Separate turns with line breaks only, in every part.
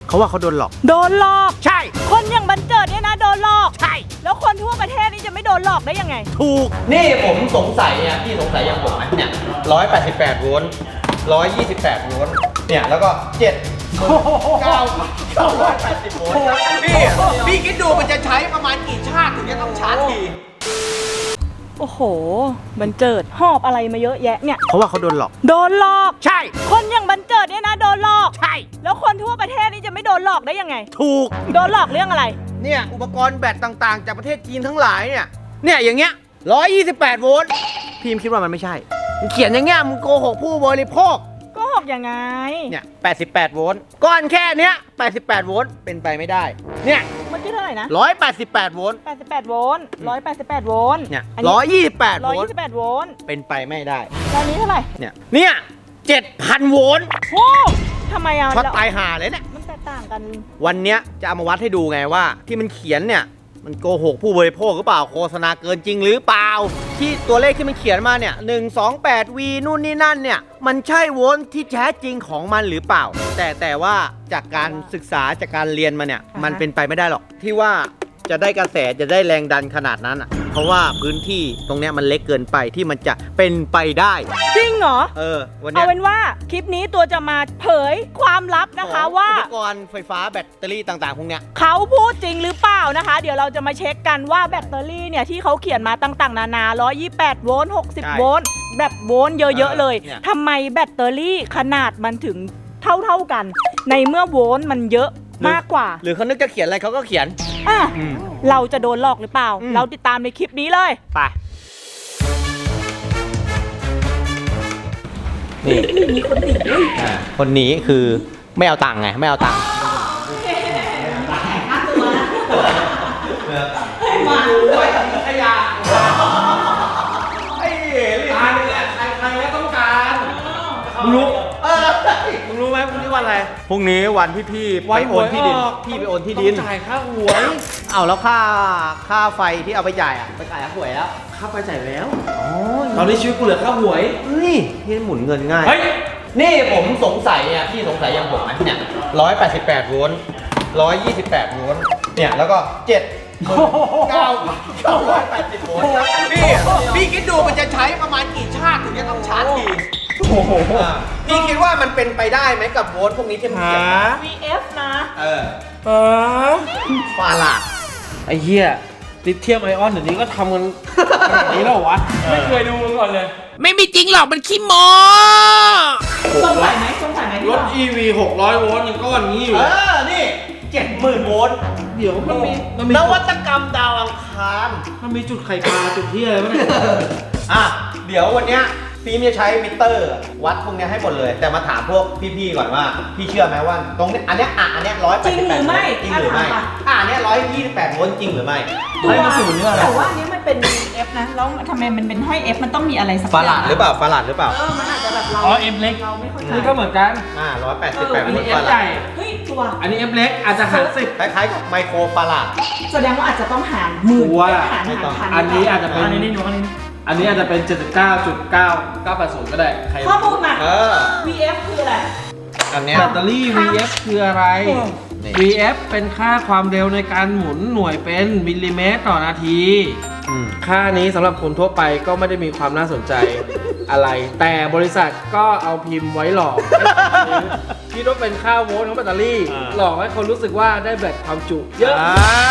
เขาว่าเขาโดนหลอก
โดนหลอก
ใช่
คนอย่างบันเจิดเนี่ยนะโดนหลอก
ใช่
แล้วคนทั่วประเทศนี่จะไม่โดนหลอกได้ยังไง
ถูกนี่ผมสงสัยเนี่ยพี่สงสัยอย่างผมไหมเนี่ย188 โวลต์128 โวลต์เนี่ยแล้วก็980 โวลต์พี่คิดดูมันจะใช้ประมาณกี่ชาติถึงจะต้องชาร์จที
โอ้โหบันเจิดหอบอะไรมาเยอะแยะเนี่ย
เขาว่าเขาโดนหลอก
โดนหลอก
ใช่
คนอย่างบันเจิดเนี่ยนะโดนหลอก
ใช่
แล้วคนทั่วประเทศนี่จะไม่โดนหลอกได้ยังไง
ถูก
โดนหลอกเรื่องอะไร
เนี่ยอุปกรณ์แบตต่างๆจากประเทศจีนทั้งหลายเนี่ยอย่างเงี้ย128 โวลต์พี่คิดว่ามันไม่ใช่มึงเขียนอย่างเงี้ยมึงโกหกผู้บริโภค
โกหกยังไง
เนี่ย88 โวลต์ก้อนแค่เนี้ย88 โวลต์เป็นไปไม่ได้เนี่ย
เมื่อกี้เท่าไหร่นะ
188 โวลต์
88 โวลต์188 โวลต์
เนี่ย128 โวลต์
128 โวลต์
เป็นไปไม่ได้
แล้วนี้เท่าไหร่
เนี่ย7,000 โวลต์
โอ้ทำไมอ่ะ
ช็อตตายห่าเลยเนี่ย
มันแตกต่างกัน
วันเนี้ยจะเอามาวัดให้ดูไงว่าที่มันเขียนเนี่ยมันโกหกผู้บริโภคหรือเปล่าโฆษณาเกินจริงหรือเปล่าที่ตัวเลขที่มันเขียนมาเนี่ย128 V นู่นนี่นั่นเนี่ยมันใช่โวลต์ที่แท้จริงของมันหรือเปล่าแต่ว่าจากการศึกษาจากการเรียนมาเนี่ยมันเป็นไปไม่ได้หรอกที่ว่าจะได้กระแสจะได้แรงดันขนาดนั้นเพราะว่าพื้นที่ตรงเนี้ยมันเล็กเกินไปที่มันจะเป็นไปได้
จริงเหรอ
วันนี้
เอาเป็นว่าคลิปนี้ตัวจะมาเผยความลับนะคะว่า
อุปกรณ์ไฟฟ้าแบตเตอรี่ต่างๆพวกเนี้ย
เขาพูดจริงหรือเปล่านะคะเดี๋ยวเราจะมาเช็คกันว่าแบตเตอรี่เนี่ยที่เขาเขียนมาต่างๆนานา128 โวลต์60 โวลต์แบบโวลต์เยอะๆเลยทำไมแบตเตอรี่ขนาดมันถึงเท่ากันในเมื่อโวลต์มันเยอะมากกว่า
หรือเขานึกจะเขียนอะไรเขาก็เขียน
เราจะโดนหลอกหรือเปล่าเราติดตามในคลิปนี้เลย
ไปนี่
มีคนหนี
คนหนีคือไม่เอาตังค์ไงไม่เอาตังค์มาไว้กับขยะไอ้ตายเลยใครแล้วต้องการมึงรู้ไหมพรุ่งนี้วันอะไรพรุ่งนี้วันที่พี่ไปโอนที่ดินพี่ไปโอนที่ดิน
จ่ายค่าหวย
เอาแล้วค่าไฟที่เอาไปจ่ายไปจ่ายค่าหวยแล้ว
ค่าไฟจ่ายแล้วตอนนี้ชีวิตกูเหลือค่าหวย
นี่พี่หมุนเงินง่ายนี่ผมสงสัยเนี่ยพี่สงสัยอย่างผมไหมเนี่ย188 โวลต์128 โวลต์เนี่ยแล้วก็980 โวลต์พี่คิดดูมันจะใช้ประมาณกี่ชาติถึงจะต้องชาร์จทีพี่คิดว่ามันเป็นไปได้ไหมกับโวลต์พวกนี้ที่มันเขียน
VF นะ
ฟาลาด
ไอ้เหี้ยลิเธียมไอออนเดี๋ยวนี้ก็ทำกันขนาดนี้แล้ววะไม่เคยดูมาก่อนเลย
ไม่มีจริงหรอกมันขี้โม้
สงสัยไหม
รถ EV 600 โวลต์ยังก้อนนี้อยู่
นี่ 70,000 โวลต์
เดี๋ยวมันมี
นวัตกรรมดาวอังคาร
มันมีจุดไข่ปลาจุดที่อะไรวะเนี่ย
เดี๋ยววันเนี้ยฟิล์มจะใช้มิเตอร์วัดพวกนี้ให้หมดเลยแต่มาถามพวกพี่ๆก่อนว่าพี่เชื่อไหมว่าตรงนี้อันเนี้ย188
จริงหรือไม่
จริงหรือไม่อันเนี้ย128 โวลต์จริงหรือไม่
ตัวแต่ว่าอันนี้มันเป็น F นะแล้วทำไมมันเป็นห้อย F มันต้องมีอะไรสักอย่าง
ฟาลาดหรือเปล่า
มันอาจจะแบบเรา
M เล็ก
เราไม่เข้าใจ
นี่ก็เหมือนกัน
188 โวลต์ฟาลาด
เฮ้ยตัว
อันนี้ F เล็กอาจจะหาร10
คล้ายๆกับไมโครฟาลาด
แสดงว่าอาจจะต้องหารหมื่นหารพัน
อันนี้อาจจะเป็นอันนี้อาจจะเป็น 79.9980 ก็ได้
ข้อมูลมา VF คืออะไร
อันนี้
แบตเตอรี่ VF คืออะไร VF เป็นค่าความเร็วในการหมุนหน่วยเป็นมิลลิเมตรต่อนาทีค่านี้สำหรับคนทั่วไปก็ไม่ได้มีความน่าสนใจอะไรแต่บริษัทก็เอาพิมพ์ไว้หลอกคิดว่าเป็นค่าโวลต์ของแบตเตอรี่หลอกให้คนรู้สึกว่าได้แบตความจุเยอะ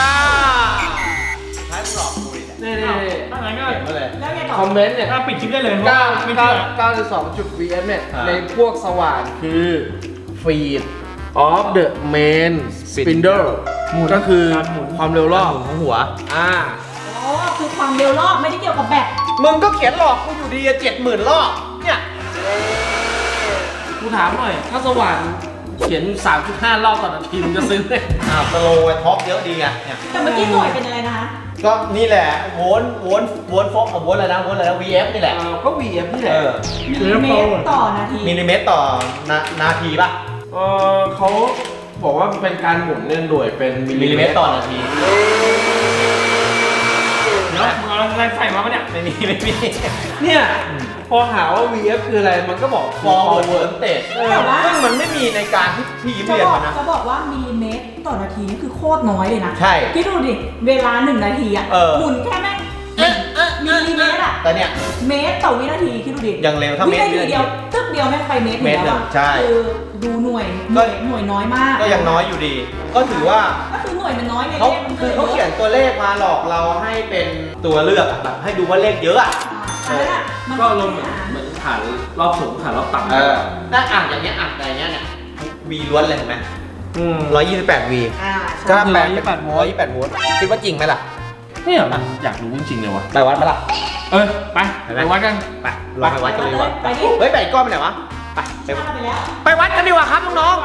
ใช้หลอกคุย
นี่
ตั้งแต่ก็
คอมเมนต์เนี่ย
ปิดคลิปได้เลย
9.2.vf เนี่ยในพวกสว่านคือ feed of the main spindle ก็คือความเร็วรอบ
ของหัว
คือความเร็วรอบไม่ได้เกี่ยวกับแบต
มึงก็เขียนหลอกกูอยู่ดี70,000 รอบเนี่ย
กูถามหน่อยถ้าสว่านเขียน 3.5 รอบต่อนาทีมึงจะซื้อไหม
สโลว์ไว้ท็อปเยอะดีไง
แต่เมื่อกี้หน่วยเป็นอะไรนะคะ
ก็นี่แหละโวลต์ฟอกกับโวลต์อะไรนะ VF นี่แหละ
ก็ VF นี่แหละ
มิลลิเมตรต่อนาที
มิลลิเมตรต่อนาทีป่ะ
เขาบอกว่าเป็นการหมุนหน่วยเป็นมิลลิเมตรต่อนาที
แล้วมึงเอาอะไรใส่มาปะเนี่ย
ไม่มี
เนี่ยพอหาว่า VF คืออะไรมันก็บอก
forward voltage ซึ่งมันไม่มีในการที่พี่เรียนมานะ
เขาบอกว่ามิลลิเมต่อนาทีนี่คือโคตรน้อยเลยนะ
ใช่
คิดดูดิเวลา1 นาทีอะ หมุนแค่แม่งมิลลิเมตรอะ
แต่เนี่ย
เมตรต่อวินาทีคิดดูดิ
ยังเร็วถ้า
วิ
เมตร
นาทีเดียวตึ๊บเดียวแม่งไปเมตร
เมตร
แล้วอะ
ใช่
คือดูหน่วยน้อยมาก
ก็ยังน้อยอยู่ดี ก็ถือว่า
ก็คือหน่วยมันน้อยไง
เขา
เลขมัน
คือเขาเขียนตัวเลขมาหลอกเราให้เป็นตัวเลือกอะแบบให้ดูว่าเลขเยอะอะ
อันนั้นอะมัน
ก็ลงเหมือนฐานรอบสูงฐานรอบต่ำ
ถ้าอ่านอย่างเงี้ยอ่านอะไรเงี้ยเนี่ยวีล้วนเลยเห็นไหม 128 วี
อ่า
ก็
ใช่
แปลเป็น128 โวลต์คิดว่าจริงไหมล่ะ
เนี่ยมันอยากรู้จริงๆเลยวะ
ไปวัดไหมล่ะ
ไปวัดกัน
ไปลองไปวัดกันเลยดีกว่า
ไปดิ
เฮ้ยไปก้อนไปไหนวะไปไป
ไปแล้ว
ไปวัดกันดีกว่าครับน้อง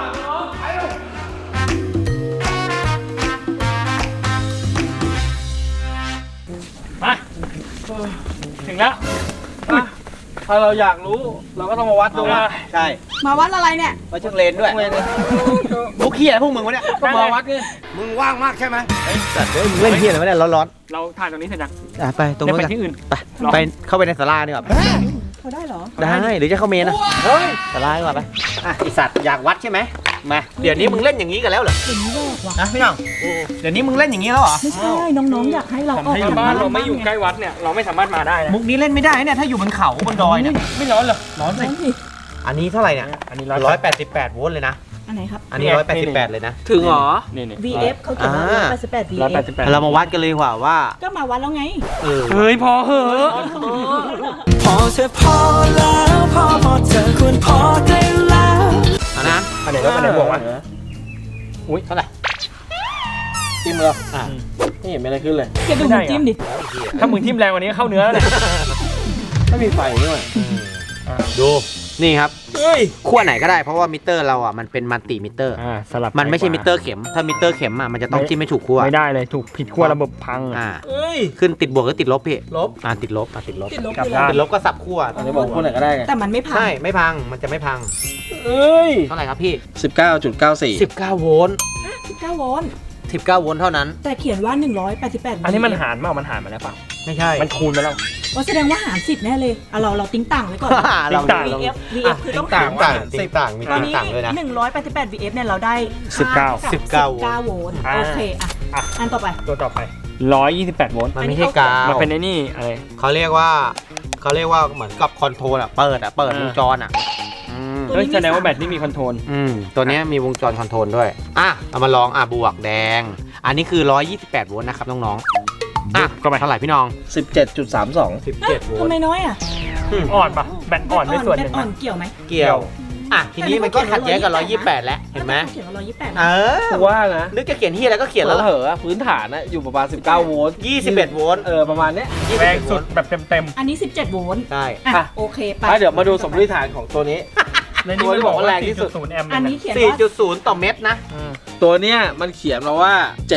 มาถึงแล้ว ถ้าเราอยากรู้เราก็ต้องมาวัดดูนะ
ๆใช่
มาวัดอะไรเนี่ย
วัดเชิงเลนด้วยพวกเขี้ยพวกมึงวะเนี่ย
ก็มาวัดไง
มึงว่างมากใช่ไหมสัตว์มึงเล่นเขี้ยอะไรวะเนี่ยร้อน
เราถ่ายตรงนี้เสร็จยัง
ๆไปตรงนู้น
ไป
กัน
ที่อื่น
ไปเข้าไปในศาลาดีกว่า
เขาได้เหรอ
ได้หรือจะเข้าเมนนะเฮ้ยศาลาดีกว่าไปอ่ะไอสัตว์อยากวัดใช่ไหมมาเดี๋ยวนี้มึงเล่นอย่างนี้กันแล้วเหรอ
เห็นแรกว่ะ
นะพี่น้องเดี๋ยวนี้มึงเล่นอย่างนี้แล้วเหรอ
ไม่ใช่น้องๆอยากให้เราออก
ถ้าบ้านเราไม่อยู่ใกล้วัดเนี่ย เราไม่สามารถมาได้นะ
มุกนี้เล่นไม่ได้เนี่ยถ้าอยู่บนเขาบนดอยเนี่ย
ไม่ร้อนเหรอ ร้อนสิ
นั่นสิ
อันนี้เท่าไหร่เนี่ย
อันนี้
188 โวลต์เลยนะ
อันไหนครับ
อันนี้ 188 เลยนะ
ถึงเหรอ
นี่
VF เขาเขียนว่า
อ่า
188 VF
188
เรามาวัดกันเลยดีกว่าว่า
ก็มาวัดแล้วไง
เฮ้ยพอเหอะ
พอเธอพอแล้วพอเธอควรพอได้แล้ว
เอานะ
อันไหนแล้วอันไหนบวกวะ
อุ้ยเท่าไหร่
จิ้มแล้วไม่เห็นมีอะไรขึ้นเลย
แกดูมันจิ้มดิ
ถ้ามึงทิ่มแรงกว่านี้เข้าเนื้อแล้วเนี่ย
ไม่มีไฟด้วย
ดูนี่ครับ
เฮ้ย
ขั้วไหนก็ได้เพราะว่ามิเตอร์เราอ่ะมันเป็นมัลติมิเตอร์
สลับ
มันไม่ใช่มิเตอร์เข็ม ถ้ามิเตอร์เข็มอ่ะมันจะต้องจิ้มไม่ถูกขั้ว
ไม่ได้เลยถูกผิดขั้วระบบพัง
เฮ้ย
ขึ้นติดบวกหรือติดลบพี่
ลบ
ติดลบติดลบ
ติดลบ
กลับ
คือ
ด้าน
อะไร
ติดลบก็สับขั้ว
อันนี้บอกคนไหนก็ได้ไง
แต่มันไม่พัง
ใช่ไม่พังมันจะไม่พัง
เอ้ย
เท่าไหร่ครับพี่
19.94
19 โวลต์
19 โวลต์
19 โวลต์เท่านั้น
แต่เขียนว่า 188
อันนี้มันหารเปล่ามันหารมาแล้วเปล่า
ไม่ใช่
มันคูณมาแล้ว
ว่าแสดงว่าหาร10แน่เลยอ่ะเราติ้งต่างไว้ก่อน
เรา
ต่าง
VF VF คือต้อง
ต่า
หาง ร
ต่าง
ติดต่างมี
ตอน
ติด
นี้
ต่างด้วยนะ
188 VF เนี่ยเราได้
19
19 โวลต์โอเคอ่ะ
อ่ะ
อันต่อไป
ตัวต่อไป 128 โวลต์
มันไม่ใช่กาว
มันเป็นไอ้นี่อะไร
เขาเรียกว่าเหมือนกับคอนโทรลอ่ะเปิดวงจรอ่ะอืม
ตัว
เฮ้ย
นี้มี
แสดงว่า
สาม
แบตนี่มีคอนโทรล
ตัวเนี้ยมีวงจรคอนโทรลด้วยเอามาลองบวกแดง อันนี้คือ 128 โวลต์นะครับน้องๆ
ก็ไป
เท่าไหร่พี่น้อง
17.32
17 โวล
ทำไม
ต์
น้อยอ่ะ
อ่อนปะแบตอ่อนด้วยส่วนหนึ่ง
แบตอ่อ
นะ
นเกี่ยวไหม
เกี่ยวทีนี้มันก็ขัดแย้งกับ 128 แล้วเห็นไหม
เขียนว่า128
กูว่านะ
นึกจะเขียนที่อะไรก็เขียนแล้ว
เหอะพื้นฐานนะอยู่ประมาณ19 โวลต์
21 โวลต์
ประมาณเนี้ย
แรงสุดแบบเต็ม
อันนี้ 17 โวลต์
ใช่
อ่ะ
อ่ะ
โอเคไป
เดี๋ยวมาดูสมมติฐานของตัวนี้
ๆในนี้
ตัวที่บอกว่าแรงที่สุด
4.0 แอมป์
อัน
เลย
นี้
นะ
เขียนว่า
4.0 ต่อเม็ดนะ
ตัวเนี้ยมันเขียนมาว่า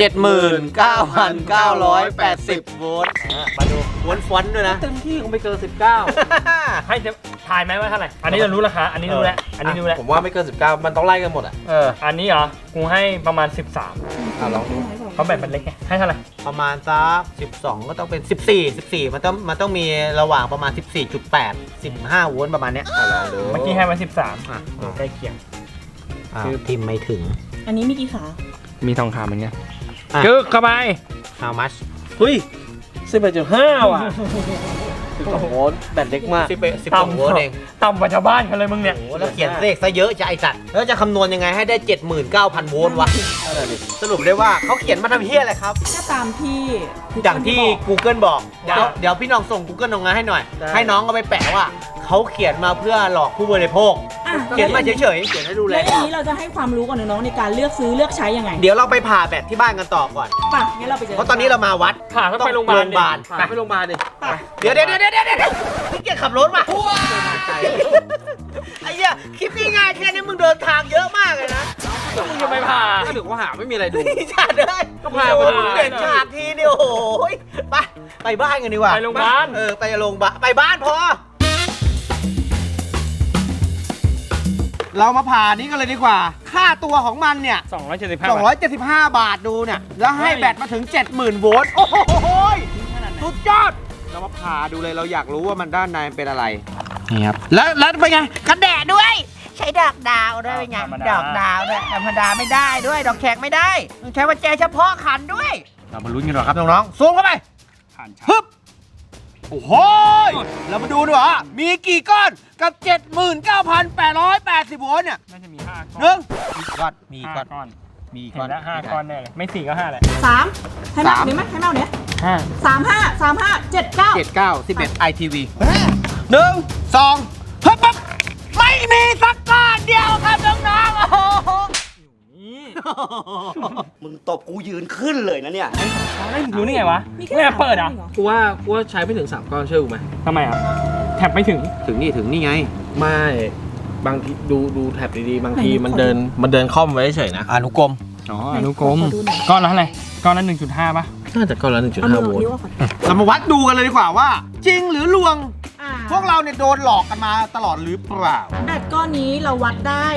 79,980 โวลต์มาดูโวลต์ฟอนต์ด้วยนะ
เต็มที่คงไม่เกิน 19
ให้จะทายไหมว่าเท่าไหร่ อันนี้เรารู้ราคา อันนี้รู้แล้ว อันนี้รู้แล้ว
ผมว่าไม่เกิน 19 มันต้องไล่กันหมดอ่ะ
อันนี้เหรอ กูให้ประมาณ
ลองดู
13 เพราะแบตมันเล็กไง ให้เท่าไหร่
ประมาณสัก12 ก็ต้องเป็น 14มันต้องมีระหว่างประมาณ 14.8 15 โวลต์ประมาณเนี้ยลองดู
เมื่อกี้ให้มา 13
อ่ะ
ใกล้เคียง
คือพิมพ์ไม่ถึง
อันนี้มีกี่ขา
มีทองคำเหมือนกัน
อ่ะ
กึกเข้าไป
how much
เฮ้ย 11.5 ว่ะ12 โวลต์แบตเล็กมาก
12 โวลต์เอง
ต่ำกว่าชาวบ้านเขาเลยมึงเนี่ย
โอ้แล้วเขียนเลขซะเยอะจะไอสัตว์แล้วจะคำนวณยังไงให้ได้ 79,000 โวลต์วะ สรุปได้ว่าเขาเขียนมาทำเฮี้ยอะไรครับ
ก็ตามที่
อย่างที่ Google บอก
ได้
เดี๋ยวพี่น้องส่ง Google ลงมาให้หน่อย
ได้
ให้น้องเอาไปแปะว่าเขาเขียนมาเพื่อหลอกผู้บริโภค
อ่ะ
เขียนมาเฉยๆเขียนให้ดูแล
แล้วอย่างนี้เราจะให้ความรู้กับน้องๆในการเลือกซื้อเลือกใช้ยังไง
เดี๋ยวเราไปผ่าแบตที่บ้านกันต่อก่อน
ป่ะงั้นเราไปเจอ
เพราะตอนนี้เรามาวัด
ผ่าต้องไปโรงพยาบาลดิ
ไปโรงพยาบาลดิ
ป่ะ
เดี๋ยวพี่เกียรขับรถมาไอ้เหี้ยคลิปง่ายๆแค่นี้มึงเดินทางเยอะมากเลยนะ
มึงจะไปผ่า
ก็ถึงว่าหาไม่มีอะไรดู
นี่ชาเด้ย
ก็พา
โอ้
ไป
โหมึงเด่นฉากทีเดียวโอ้โหไปบ้านกันดีกว่า
ไปโรงพยาบาล
ไปโรงพยาบาลไปบ้านพอ เรามาผ่านี้กันเลยดีกว่า ค่าตัวของมันเนี่ย
275
275 บาทดูเนี่ย แล้วให้แบตมาถึง 70,000 โวลต์ โอ้โหสุดยอด เรามาผ่าดูเลย เราอยากรู้ว่ามันด้านในเป็นอะไร นี่ครับ แล้วเป็นไง กันแดดด้วยใช้ดอกดาวด้วยเป็นไง
ธรรมดา
ดอกดาวด้วยธรรมดาไม่ได้ด้วยดอกแขกไม่ได้ต้องใช้กุญแจเฉพาะขันด้วยเรามาลุ้นกันหน่อยครับน้องๆซูมเข้าไป
ผ่านชา
ฮึบโอ้โหเรามาดูดีกว่ามีกี่ก้อนกับ 79,880 โวลต์เนี่ย
น่าจะมี5
หนึ่งมี
ก้
ก้
อ
อน น
ก้อน
มี
เห็
ก้อน
นแล้ว5 ก้อนแน่เลยไม่4ก็5แหละ
3ให้แม่เดี๋ยวไหมให้แม่เนี้ย
5
35 79
79 11 ITV 1 2ฮึบปั๊บไม่มีสักก้อนเดียวครับน้องๆโอ้โห
มึงตบกูยืนขึ้นเลยนะเนี่ย
รู้นี่ไงวะ
มีแค่
ไม่เปิดอ่ะ
3
กูว่าใช้ไม่ถึง 3 ก้อนเชื่อกูไหม
ทำไมอ่ะแท็บไม่ถึง
ถึงนี่ไง
ไม่บางทีดูแท็บดีๆบางทีมันเดินค่อมไว้เฉยนะ
อนุกรม
อ๋ออนุกรมก้อนละเท่าไหร่ก้อนละ 1.5 ป่ะ
น่าจะก้อนละ
เอามือ
1.5 โวลต์
นิ้วก่อน
เรามาวัดดูกันเลยดีกว่าว่า จริงหรือลวง
อ่า
พวกเราเนี่ยโดนหลอกกันมาตลอดหรือเปล่า
แบตก้อนนี้เราวัดได้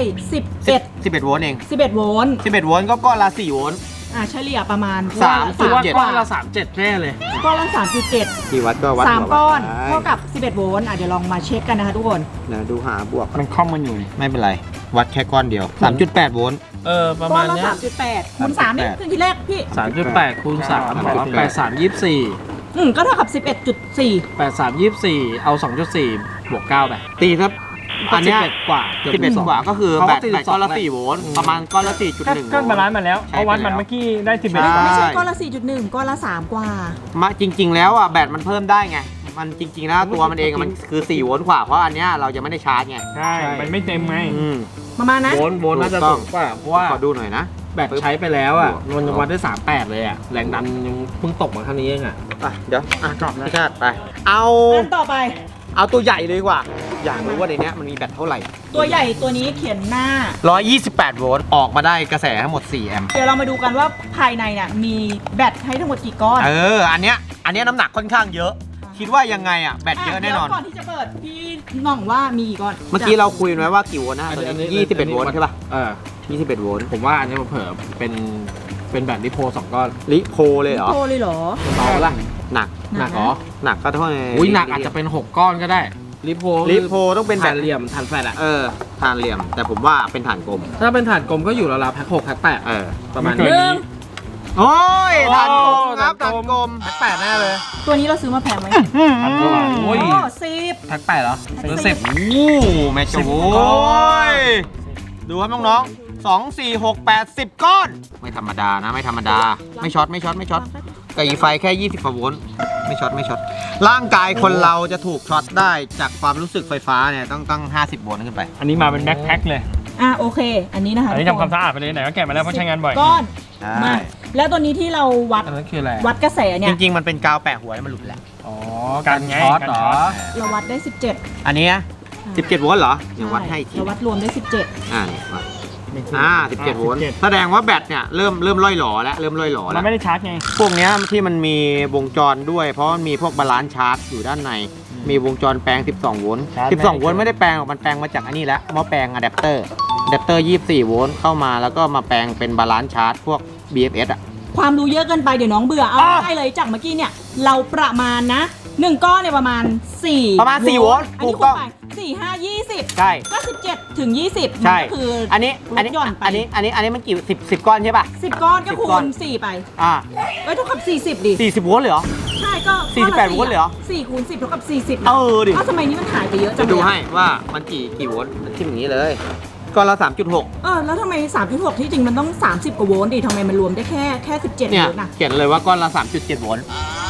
11 โวลต์เอง
11 โวลต์
11 โวลต์ก็ก้อนละ 4 โวลต์
เฉลี่ยประมาณ
3.7
กูว่าก้อนละ 37 แน่เลย
ก้อนละ 3.7
ที่วัดก็วัด
3 ก้อนเท่ากับ 11 โวลต์เดี๋ยวลองมาเช็คกันนะคะทุกคน
นะดูหาบวก
มันคล่อมมันอยู่
ไม่เป็นไร วัดแค่ก้อนเดียว 3.8 โวลต์
ประ
ก้
มา
อน
ณ
ละ
เนี้ย
3.8คูณ3นี่ขึ้นทีแรกพี่
3.8 คูณ 3 83 24
ก็เท่ากับ 11.4
83 24 เอา 2.4 บวก 9 ไป
ตีครับ อันเนี้ย
11 กว่าเกือบ
11 กว่าก็คือ
เขา
แบ
ก็
ตก้อนละ 4 โวลต์ ประมาณก้อนละ 4.1
ก็บาลานซ์มาแล้ว
ใช้
เพราะวัด
ไปแล้ว
มันเมื่อกี้ได้ 11
ใช่
กว่า
ไม่ใช่ก้อนละ 4.1 ก้อนละ 3 กว่า
มาจริง ๆ แล้วอ่ะแบตมันเพิ่มได้ไง มันจริง ๆ แล้วตัวมันเองอะมันคือ 4 โวลต์กว่า เพราะอันเนี้ยเราจะไม่ได้ชาร์จไง
ใช่ มันไม่เต็มไง
อืม
ประมาณนั้น
โวลต์น่าจะสูงกว่าเพราะว่า
ขอดูหน่อยนะ
แบตใช้ไปแล้วอ่ะมันยังวัดได้ 38 เลยอ่ะ แรงดันยังเพิ่งตกมาเท่านี้เองอ่ะ
เดี๋ยวกรอบพี่ชาติไป เอา
อันต่อไป
เอาตัวใหญ่เลยดีกว่า อยากรู้ว่าในเนี้ยมันมีแบตเท่าไหร่
ตัวใหญ่ตัวนี้เขียนหน้า
128 โวลต์ ออกมาได้กระแสทั้งหมด 4 แอมป์
เดี๋ยวเรามาดูกันว่าภายในเนี่ยมีแบตให้ทั้งหมดกี่ก้อน
อันเนี้ยน้ำหนักค่อนข้างเยอะ คิดว่ายังไไงอ่ะ แบตเยอะแน่นอน
ดี๋ยวก่อนที่จะเปิดพี่หน่องว่ามีกี่ก้อน
เมื่อกี้เราคุยไว้ว่ากี่โวลต์นะตัวนี้21 โวลต์ใช่ป่ะ 21 โวลต์
ผมว่าอันนี้เผลอเป็นแบตลิโพ2 ก้อน
ลิโพเลยเหรอ
โตเลยเหรอ
เบาละ
หนัก
หนักเหรอ
หนักก็เท่าไหร่
อุ้ยหนักอาจจะเป็น 6 ก้อนก็ได้ลิโพ
ลิโพต้องเป็นแบ
ฐา
ต
นเหลี่ยมฐานแฟลตอ่ะ
ฐานเหลี่ยม แต่ผมว่าเป็นฐานกลม
ถ้าเป็นฐานกลมก็อยู่ราวๆแพ็ค6แพ็ค8ประมาณ
ไม่เกิ
นี้
น
โอ้ยฐานกลมครับ
ฐา
ฐาน น
ก
ก
ล
ล
ม
มแปดแน่เลย
ตัวนี้เราซื้อมาแพงไหม
โอ้ย
10
แพ็ค8เหรอหรือ10
โอ้แม่จูโอ้ยดูครับน้องๆ2 4 6 8 10 ก้อน ไม่ธรรมดานะ ไม่ธรรมดา ไม่ช็อตกระอีไฟแค่ 20 กว่าโวลต์ไม่ช็อตร่างกายคนเราจะถูกช็อตได้จากความรู้สึกไฟฟ้าเนี่ยต้อง50 โวลต์ขึ้นไป
อันนี้มาเป็นแบ็คแพ็คเลย
โอเค อันนี้นะคะ
อันนี้ทำความสะอาดไปเลยไหนก็แกะมาแล้วเพราะใช้งานบ่อย
ก้อน
ใช่
มาแล้วตัวนี้ที่เราวัด
อันนั้นคืออะไร
วัดกระแสเนี่
จ
ย
ริง ๆ มันเป็นกาวแปะหัวให้มันหลุดแหละ
อ๋อ
การไง
ช็อต
การ
เหร
ช็
อ
อต
เราวัดได้ 17
อันนี้นะ17 โวลต์เหรอเดี๋ยววัดให้อีกที
เราวัดรวมได้ 17
นี่วัด17 โวลต์แสดงว่าแบตเนี่ยเริ่มล่อยหลอแล้วเริ่มล่อยหลอ
มั
แล้
น
ว
ไม่ได้ชาร์จไง
พวกเนี้ยที่มันมีวงจรด้วย เพราะมันมีพวกบาลานซ์ชาร์จอยู่ด้านใน มีวงจรแปลง 12 โวลต์
ชาร์จ
12 โวลต์ไม่ได้แปลงหรอกมันแปลงมาจากอันนี้แล้วหม้อแปลงอะแดปเตอร์ 24 โวลต์เข้ามาแล้วก็มาแปลงเป็นบาลานซ์ชาร์จพวก BFS อ่ะ
ความรู้เยอะเกินไปเดี๋ยวน้องเบื่อเอาได้เลยจากเมื่อกี้เนี่ยเราประมาณนะ1ก้อนเนี่ยประมาณ4
ประมาณ4โวลต์
อันนี้
ถูกต้อง
คูณไป4 5 20
ใช่
ก็17ถึง20
ใช่
มันก็คือ
อันนี้
ลดหย่อนไป
อันนี้มันกี่10 ก้อนใช่ป่ะ
10 ก้อนก็คู
10ก้อน
ณ4ไป
อ่า
เท่ากับ40ดิ
40 โวลต์เลยเหรอ
ใช่ก็
48โวลต์เลยเหรอ
4คูณ10เท่ากับ40
เออดิ
ทำไมนี่มันหายไปเยอะจั
จะ
ง
ดู
เลย
ให้ว่ามันกี่โวลต์มันขึ้นอย่างนี้เลยก้อนละ 3.6
แล้วทำไม 3.6 ที่จริงมันต้อง 30 กว่าโวลต์ดิทำไมมันรวมได้แค่ 17
เนี่ย
โวลต์นะ
เขียนเลยว่าก้อนละ 3.7 โวลต์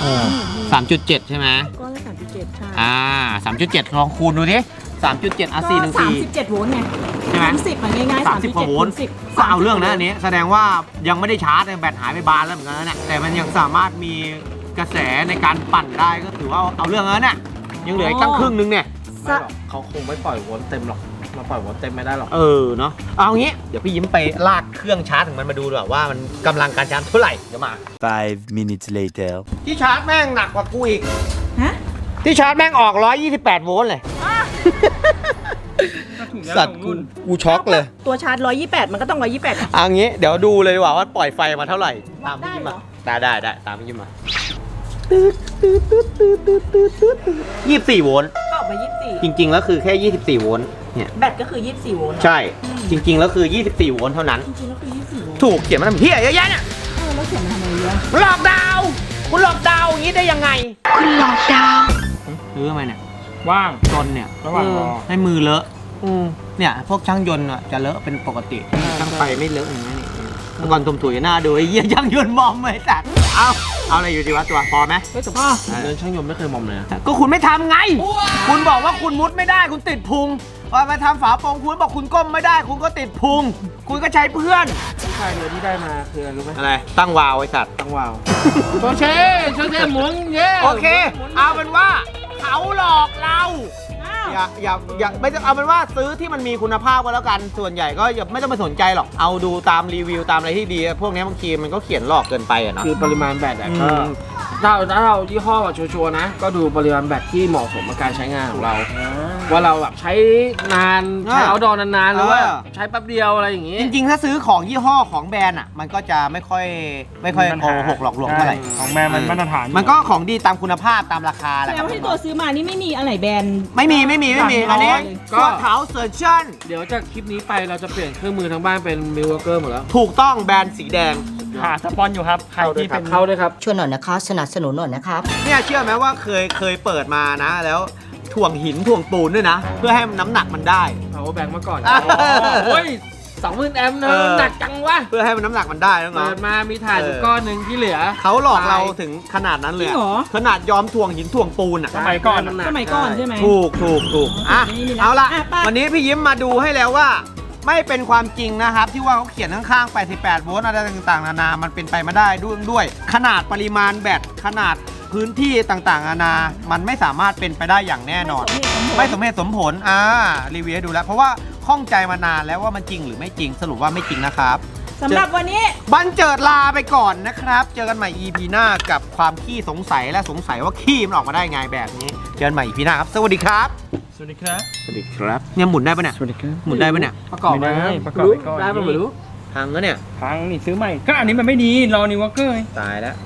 3.7 ใช่ไหม
ก้อนละ37 ใช่
3.7 ลองคูณดูดิ 3.7
ก็
414
37 โวลต์ไง
ใช่ไหม
คูณ10มันง่ายๆ
30 กว่าโวลต์
คูณ10
ก็เอาเรื่องนะอันนี้ แสดงว่ายังไม่ได้ชาร์จแบตหายไปบานแล้วเหมือนกันนะเนี่ยแต่มันยังสามารถมีกระแสในการปั่นได้ก็ถือว่าเอาเรื่องแล้วเนี่ยยังเหลืออีกตั้งครึ่งนึงเนี่ย
ไม่หรอกเขาคงไม่ปล่อยโวลต์เต็มหรอกมาปล่อยโวลต์เต็มไม่ได้หรอก
เนาะเอางี้เดี๋ยวพี่ยิ้มไปลากเครื่องชาร์จของมันมาดูดีกว่าว่ามันกำลังการชาร์จเท่าไหร่เดี๋ยวมา
5 minutes later
ที่ชาร์จแม่งหนักกว่ากูอีก
ฮะ
ที่ชาร์จแม่งออก 128 โวลต์เลย สัตว์กูช็อกเลย
ตัวชาร์จ 128 มันก็ต้อง 128
เอางี้เดี๋ยวดูเลยดีกว่าว่าปล่อยไฟมาเท่าไหร่ ตามพี่ยิ้ม
ได้
มา
เหรอ
ได้ตามพี่ยิ้มมา24 โวลต์
ก็ออกมา
จริงๆแล้วคือแค่ 24 โวลต์
แบตก็คือ 24 โวลต์
ใช่ จริง ๆ แล้วคือ 24 โวลต์เท่านั้น
จริงๆแล้วคือ 24 โวลต์
ถูกเขียนมาทำเหี้ยเยอะแยะเนี่ย
แล้วเขียนมาทำไมเยอะ
หลอกดาวน์คุณหลอกดาวน์อย่างนี้ได้ยังไง คุณหลอกดาวซื้อทำไมเนี่ย
ว่าง
จนเนี่ย
ระหว่างรอ
ให้มือเลอะเนี่ยพวกช่างยนต์อะจะเลอะเป็นปกติช่างไฟไม่เลอะอย่างนี้นี่เมื่อก่อนตุ่มถุยหน้าดูไอ้เหี้ยช่างยนต์มอมเลยจัดเอาอะไรอยู่ดีวะตัวพอไหม
เฮ้ยแต่เดินช่างยนต์ไม่เคยมอมเลยนะ
ก็คุณไม่ทำไง คุณบอกว่าคุณมุดไม่ได้คุณติดพุงพอมาทำฝาโปร่งคุณบอกคุณก้มไม่ได้ คุณก็ติดพุง คุณก็ใช้เพื่อน
ผู้ชายเรือที่ได้มาคืออะไรรู้ไหม
อะไรตั้งวาวไอ้สัตว์
ตั้งวาวโชเช่หมุนเย้
โอเค เอาเป็นว่าเขาหลอกเรา อย่าไม่ต้องเอาเป็นว่าซื้อที่มันมีคุณภาพก็แล้วกัน ส่วนใหญ่ก็อย่าไม่ต้องไปสนใจหรอก เอาดูตามรีวิวตามอะไรที่ดี พวกนี้บางทีมันก็เขียนหลอกเกินไปอะเนาะ
คือปริมาณแบตอะก็
อืม
ถ้าเรายี่ห้อแบบชัวร์ๆนะ ก็ดูปริมาณแบตที่เหมาะสมกับการใช้งานของเรา ว่าเราแบบใช้นานใช้เอาดอนานๆหรือว่าใช้แป๊บเดียวอะไรอย่างงี้
จริงๆ ถ้าซื้อของยี่ห้อของแบรนด์อ่ะ มันก็จะไม่ค่อยโกหกหลอกลวงเท่าไหร่
ของแม่มันมาตรฐาน
มันก็ของดีตามคุณภาพตามราคาแห
แส
ละ
ดงว่าที่ตัวซื้อมานี่ไม่มีอะไรแบรนด์
ไม่มี อันนี้
ก็
ตัวเท้าเซอร์ชั่น
เดี๋ยวจากคลิปนี้ไปเราจะเปลี่ยนเครื่องมือทั้งบ้านเป็นมิลวอร์เกอร์หมดแล้ว
ถูกต้องแบรนด์สีแดง
หาสปอนอยู่ครับ ใครที่เป็น
เข้าด้วยครับ
ช่วยหน่อยนะคะสนับสนุนหน่อยนะครับ
เนี่ยเชื่อไหมว่าเคยเปิดมานะ แล้วถ่วงหินถ่วงปูนด้วยนะ เพื่อให้น้ำหนักมันได้
เอาแบงค์มาก่อน
อ่า
โอ้ย20,000 แอมป์เน
เอ
อะ
อ
หนักจังวะ
เพื่อให้มันน้ำหนักมันได้น้
เปิ
อง
ดมามีถ่านอยู่ก้อนหนึ่งที่เหลือ
ๆเขาหลอกเราถึงขนาดนั้นเลย
จริงเหรอ
ขนาดยอมถ่วงหินถ่วงปูนอ่ะ
สมัยก่อน
ำห
สมัยก่อนใช่ไหม
ถูกอ่ะ
นี่มีนะ
เอาละ
อ่ะไป
วันนี้พี่ยิ้มมาดูให้แล้วว่า ไม่เป็นความจริงนะครับ ที่ว่าเขาเขียนข้างๆ 88 โวลต์อะไรต่างๆ นานา มันเป็นไปไม่ได้ด้วย ขนาดปริมาณแบตขนาดพื้นที่ต่างๆ นานา มันไม่สามารถเป็นไปได้อย่างแน่นอน ไม่สมเหตุสมผลรีวิวให้ดูแล้ว เพราะว่าข้องใจมานานแล้วว่ามันจริงหรือไม่จริง สรุปว่าไม่จริงนะครับ
สำหรับวันนี้
บันเจิดลาไปก่อนนะครับ เจอกันใหม่ EP หน้ากับความขี้สงสัยและสงสัยว่าขี้มันออกมาได้ไงแบบนี้ เจอกันใหม่ EP หน้าครับ สวัสดีครับ
สวัสดีครับ
สวัสดีครับ เนี่ยหมุนได้ปะเนี่ย
สวัสดีครับ
หมุนได้ปะเนี่ย
ประกอบ
ไม่ได้
นะ
ประกอบไปก่อน
ได้ปะไม่รู้
พังแล้วเนี่ย
พังนี่ซื้อใหม่ ก็อันนี้มันไม่ดี รอนิววอร์เกอร์
ตายแล้ว